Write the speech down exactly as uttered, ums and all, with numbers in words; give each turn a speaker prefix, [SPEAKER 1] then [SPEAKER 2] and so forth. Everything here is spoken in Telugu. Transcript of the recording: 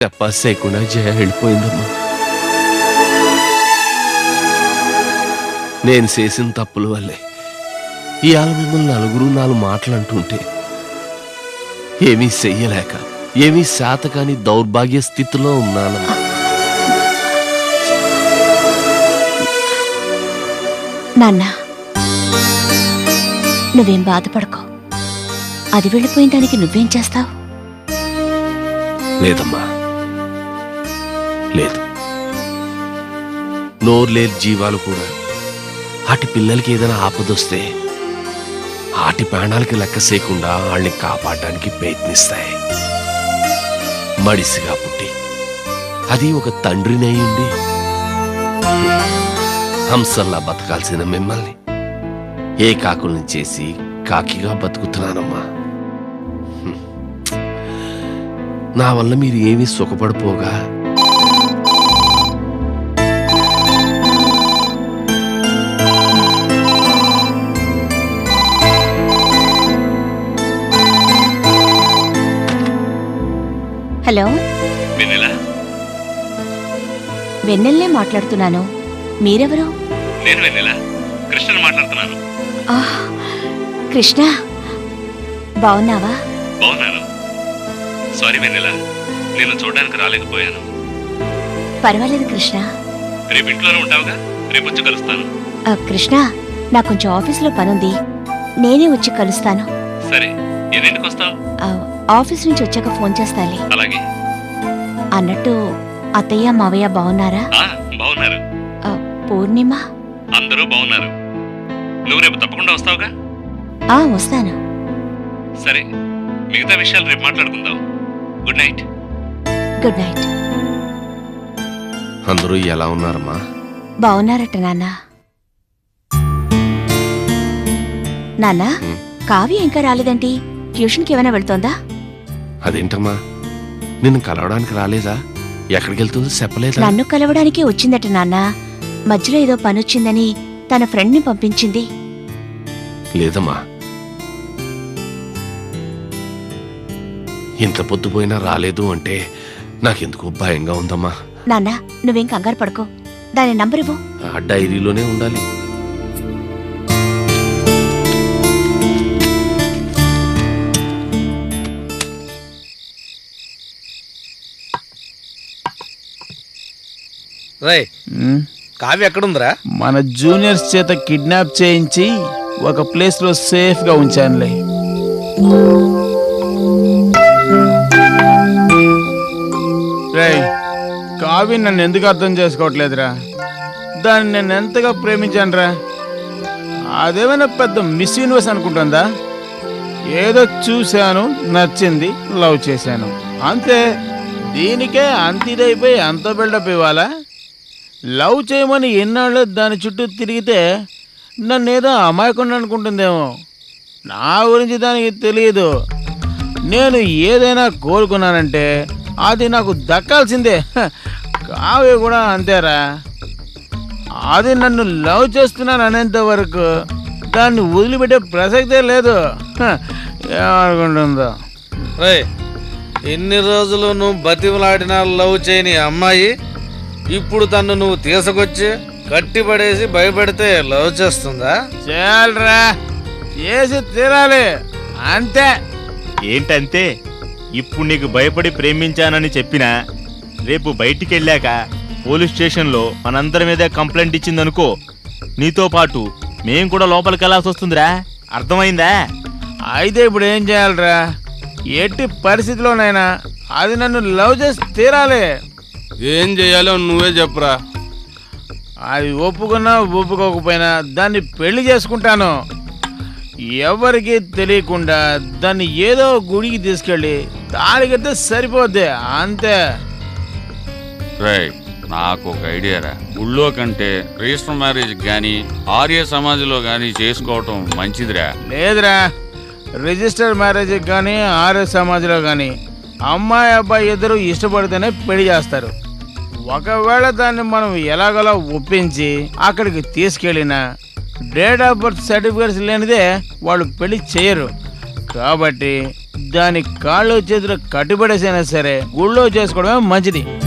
[SPEAKER 1] తపాస్ చేయకుండా జయ వెళ్ళిపోయిందమ్మా. నేను చేసిన తప్పుల వల్లే ఇవాళ మిమ్మల్ని నలుగురు నాలుగు మాటలు అంటుంటే ఏమీ చెయ్యలేక ఏమీ శాతకాని దౌర్భాగ్య స్థితిలో ఉన్నానమ్మా.
[SPEAKER 2] నాన్న, నువ్వేం బాధపడకో. అది వెళ్ళిపోయిన దానికి నువ్వేం చేస్తావు?
[SPEAKER 1] లేదమ్మా, లేదు. నోరు లేని జీవాలు కూడా ఆటి పిల్లలకి ఏదైనా ఆపదొస్తే ఆటి ప్రాణాలకి లెక్క చేయకుండా వాళ్ళని కాపాడడానికి ప్రయత్నిస్తాయి. మడిసిగా పుట్టి అది ఒక తండ్రినయ్యుండి హంసల్లా బతకాల్సిన మిమ్మల్ని ఏ కాకుల్ని చేసి కాకిగా బతుకుతున్నానమ్మా. నా వల్ల మీరు ఏమీ సుఖపడిపోగా
[SPEAKER 2] హలో, వెన్నెల్నే మాట్లాడుతున్నాను. మీరెవరు?
[SPEAKER 3] నేను వెన్నెల, కృష్ణని మాట్లాడుతున్నాను.
[SPEAKER 2] కృష్ణ, బావున్నావా?
[SPEAKER 3] బావున్నాను. సారీ వెన్నెల, నేను చూడడానికి రాలేకపోయాను.
[SPEAKER 2] పర్వాలేదు కృష్ణ.
[SPEAKER 3] రేపు ఇంట్లోనే ఉంటావుగా? రేపు వచ్చి కలుస్తాను.
[SPEAKER 2] కృష్ణ, నాకు కొంచెం ఆఫీస్లో పనుంది, నేనే వచ్చి కలుస్తాను.
[SPEAKER 3] సరే, ఎన్నింటికి వస్తావు?
[SPEAKER 2] ఆఫీస్ నుంచి వచ్చాక ఫోన్ చేస్తాలే.
[SPEAKER 3] అలాగే.
[SPEAKER 2] అన్నట్టు అత్తయ్య మావయ్య బాగున్నారా?
[SPEAKER 3] బాగున్నారు.
[SPEAKER 2] పూర్ణిమ
[SPEAKER 3] అందరూ బాగున్నారు. నువ్వు రేపు తప్పకుండా వస్తావుగా?
[SPEAKER 2] ఆ వస్తాను.
[SPEAKER 3] సరే, మిగతా విషయాలు రేపు మాట్లాడుకుందాం. Good night.
[SPEAKER 2] Good night.
[SPEAKER 1] అందరూ ఎలా ఉన్నారమ్మా?
[SPEAKER 2] బాగున్నారట నాన్న. నాన్న, కావ్య ఇంకా రాలేదంటి? ట్యూషన్కి ఏమైనా వెళ్తోందా?
[SPEAKER 1] అదేంటమ్మా, నిన్ను కలవడానికి రాలేదా? ఎక్కడికి వెళ్తుందో చెప్పలేదా?
[SPEAKER 2] నన్ను కలవడానికే వచ్చిందట నాన్న. మధ్యలో ఏదో పనొచ్చిందని తన ఫ్రెండ్ ని పంపించింది.
[SPEAKER 1] లేదమ్మా, ఇంత పొద్దుపోయినా రాలేదు అంటే నాకెందుకు భయంగా ఉందమ్మా.
[SPEAKER 2] నాన్న, నువ్వేం కంగారు పడుకో. దాని నంబర్ ఇవ్వు.
[SPEAKER 1] ఆ డైరీలోనే ఉండాలి.
[SPEAKER 4] రై, కావ్య ఎక్కడుందిరా?
[SPEAKER 5] మన జూనియర్స్ చేత కిడ్నాప్ చేయించి ఒక ప్లేస్ లో సేఫ్ గా ఉంచానులే. రై, కావ్య నన్ను ఎందుకు అర్థం చేసుకోవట్లేదురా? దాన్ని నేను ఎంతగా ప్రేమించానురా. అదేమైనా పెద్ద మిస్ యూనివర్స్ అనుకుంటుందా? ఏదో చూశాను, నచ్చింది, లవ్ చేశాను, అంతే. దీనికే అంత ఇదైపోయి అంత బిల్డప్ ఇవ్వాలా? లవ్ చేయమని ఎన్నాళ్ళు దాని చుట్టూ తిరిగితే నన్ను ఏదో అమాయకుండా అనుకుంటుందేమో. నా గురించి దానికి తెలియదు. నేను ఏదైనా కోరుకున్నానంటే అది నాకు దక్కాల్సిందే. కావ్య కూడా అంతేరా. అది నన్ను లవ్ చేస్తున్నాను అనేంత వరకు దాన్ని వదిలిపెట్టే ప్రసక్తే లేదు. ఏమనుకుంటుందో.
[SPEAKER 4] రే, ఎన్ని రోజులు నువ్వు బతిమలాడినా లవ్ చేయని అమ్మాయి ఇప్పుడు తను నువ్వు తీసుకొచ్చి కట్టిపడేసి భయపెడితే లవ్ చేస్తుందా?
[SPEAKER 5] చాలరా, చేసి తీరాలి, అంతే.
[SPEAKER 6] ఏంటంతే? ఇప్పుడు నీకు భయపడి ప్రేమించానని చెప్పినా రేపు బయటికి వెళ్ళాక పోలీస్ స్టేషన్లో మనందరి మీద కంప్లైంట్ ఇచ్చిందనుకో, నీతో పాటు మేం కూడా లోపలికి వెళ్ళాల్సి వస్తుందిరా. అర్థమైందా?
[SPEAKER 5] అయితే ఇప్పుడు ఏం చేయాలరా? ఎట్టి పరిస్థితిలోనైనా అది నన్ను లవ్ చేసి తీరాలి.
[SPEAKER 7] ఏం చేయాలో నువ్వే చెప్పురా.
[SPEAKER 5] అది ఒప్పుకున్నా ఒప్పుకోకపోయినా దాన్ని పెళ్లి చేసుకుంటాను. ఎవరికి తెలియకుండా దాన్ని ఏదో గుడికి తీసుకెళ్ళి తాళి కడితే సరిపోద్ది, అంతే.
[SPEAKER 7] రైట్, నాకు ఒక ఐడియా రా. గుళ్ళో కంటే రిజిస్టర్ మ్యారేజ్ కానీ ఆర్య సమాజ్లో కానీ చేసుకోవటం మంచిదిరా.
[SPEAKER 5] లేదురా, రిజిస్టర్ మ్యారేజ్ కానీ ఆర్య సమాజ్లో కానీ అమ్మాయి అబ్బాయి ఇద్దరు ఇష్టపడితేనే పెళ్లి చేస్తారు. ఒకవేళ దాన్ని మనం ఎలాగోలా ఒప్పించి అక్కడికి తీసుకెళ్ళినా డేట్ ఆఫ్ బర్త్ సర్టిఫికేట్స్ లేనిదే వాళ్ళు పెళ్లి చేయరు. కాబట్టి దాని కాళ్ళు చేతులు కట్టుబడేసైనా సరే గుళ్ళో చేసుకోవడమే మంచిది.